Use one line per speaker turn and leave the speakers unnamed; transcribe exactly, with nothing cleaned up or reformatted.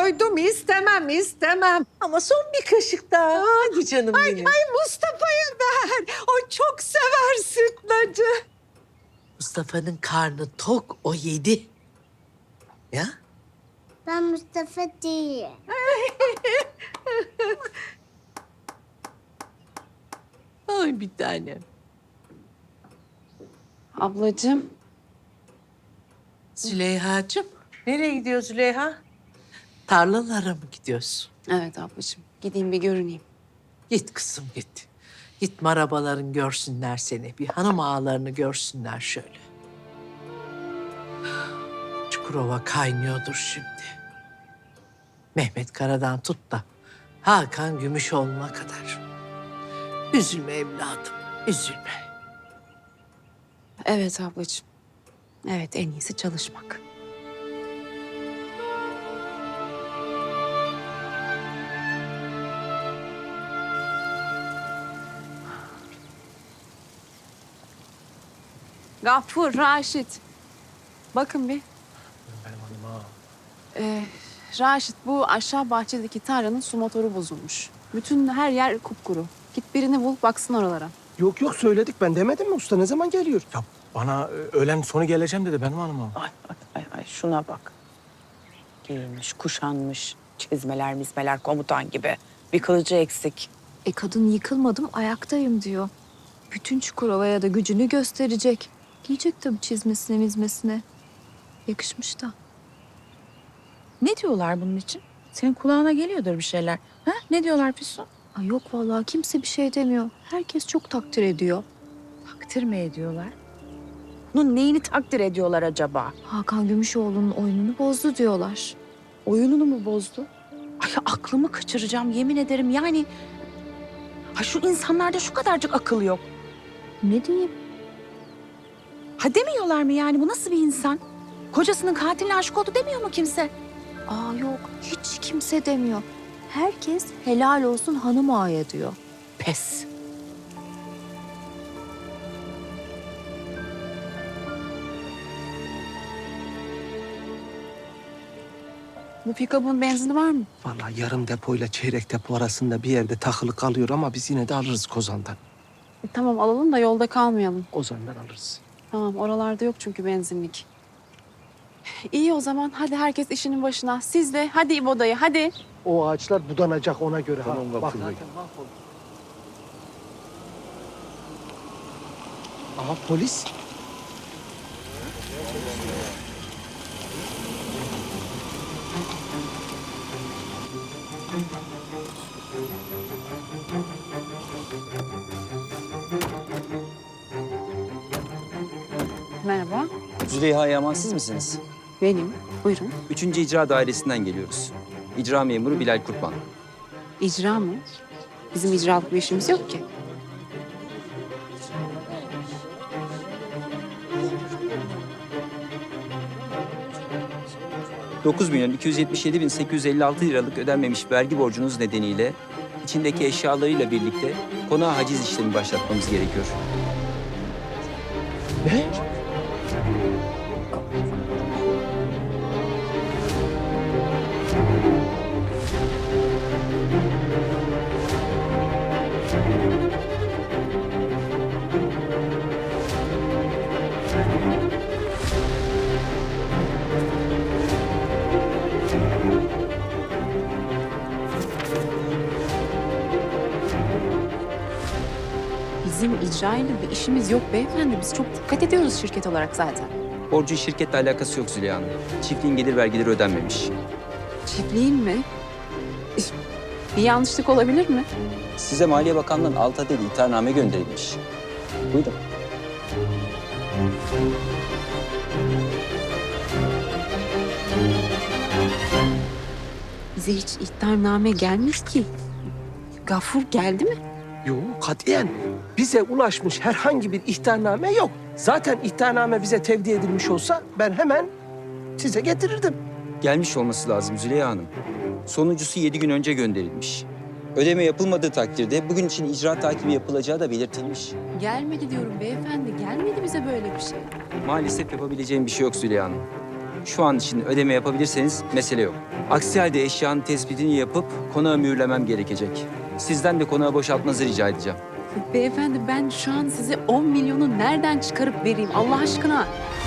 doydum istemem istemem.
Ama son bir kaşık daha. Hadi canım
Ay,
benim.
ay Mustafa'ya ver. O çok sever sütlacı.
Mustafa'nın karnı tok, o yedi. Ya?
Ben Mustafa değilim.
Ay bir tanem.
Ablacığım.
Züleyha'cığım, nereye gidiyor Züleyha? Tarlalara mı gidiyorsun?
Evet ablacığım. Gideyim bir görüneyim.
Git kızım git. Git marabaların görsünler seni. Bir hanım ağalarını görsünler şöyle. Çukurova kaynıyordur şimdi. Mehmet Kara'dan tut da Hakan Gümüşoğlu'na kadar. Üzülme evladım, üzülme.
Evet ablacığım. Evet en iyisi çalışmak. Gafur, Raşit. Bakın bir.
Benim hanıma.
Ee, Raşit bu aşağı bahçedeki tarlanın su motoru bozulmuş. Bütün her yer kupkuru. Git birini bul baksın oralara.
Yok yok söyledik, ben demedim mi usta, ne zaman geliyor? Ya bana e, öğlen sonu geleceğim dedi benim hanıma.
Ay, ay, ay, ay şuna bak. Giyinmiş, kuşanmış, çizmeler, mizmeler komutan gibi. Bir kılıcı eksik.
E kadın yıkılmadım ayaktayım diyor. Bütün Çukurova'ya da gücünü gösterecek. Giyecek tabii çizmesine mizmesine. Yakışmış da.
Ne diyorlar bunun için? Senin kulağına geliyordur bir şeyler. Ha? Ne diyorlar Füsun?
Ay yok vallahi kimse bir şey demiyor. Herkes çok takdir ediyor.
Takdir mi ediyorlar? Bunun neyini takdir ediyorlar acaba?
Hakan Gümüşoğlu'nun oyununu bozdu diyorlar.
Oyununu mu bozdu? Ay aklımı kaçıracağım yemin ederim yani. Ha şu insanlarda şu kadarcık akıl yok.
Ne diyeyim?
Ha demiyorlar mı yani bu nasıl bir insan? Kocasının katiline aşık oldu demiyor mu kimse?
Aa yok hiç kimse demiyor. Herkes helal olsun hanım ağaya diyor.
Pes.
Bu pikabın benzini var mı?
Vallahi yarım depoyla çeyrek depo arasında bir yerde takılı kalıyor ama biz yine de alırız Kozan'dan.
E, tamam alalım da yolda kalmayalım.
Kozan'dan alırız.
Tamam oralarda yok çünkü benzinlik. İyi o zaman hadi herkes işinin başına. Siz de hadi İbo dayı hadi.
O ağaçlar budanacak ona göre.
Tamam,
ha.
bak
Bak
şurada.
zaten mahvoldu. Aha polis.
Merhaba.
Züleyha Yaman siz misiniz?
Benim. Buyurun.
Üçüncü İcra Dairesi'nden geliyoruz. İcra memuru Bilal Kurtman.
İcra mı? Bizim icralık bir işimiz yok ki.
dokuz milyon iki yüz yetmiş yedi bin sekiz yüz elli altı liralık ödenmemiş vergi borcunuz nedeniyle içindeki eşyalarıyla birlikte konağa haciz işlemi başlatmamız gerekiyor.
Ne?
Bizim icra ile bir işimiz yok beyefendi. Biz çok dikkat ediyoruz şirket olarak zaten.
Borcun şirketle alakası yok Züleyha Hanım. Çiftliğin gelir vergileri ödenmemiş.
Çiftliğin mi? Bir yanlışlık olabilir mi?
Size Maliye Bakanlığı'nın alt adedi ihtarname gönderilmiş. Buyurun.
Bize hiç ihtarname gelmiş ki. Gafur geldi mi?
Yok katiyen. Bize ulaşmış herhangi bir ihtarname yok. Zaten ihtarname bize tevdi edilmiş olsa ben hemen size getirirdim.
Gelmiş olması lazım Züleyha Hanım. Sonuncusu yedi gün önce gönderilmiş. Ödeme yapılmadığı takdirde bugün için icra takibi yapılacağı da belirtilmiş.
Gelmedi diyorum beyefendi. Gelmedi bize böyle bir şey.
Maalesef yapabileceğim bir şey yok Züleyha Hanım. şu an için ödeme yapabilirseniz mesele yok. Aksi halde eşyanın tespitini yapıp konağı mühürlemem gerekecek. Sizden de konağı boşaltmanızı rica edeceğim.
Beyefendi ben şu an size on milyonu nereden çıkarıp vereyim Allah aşkına?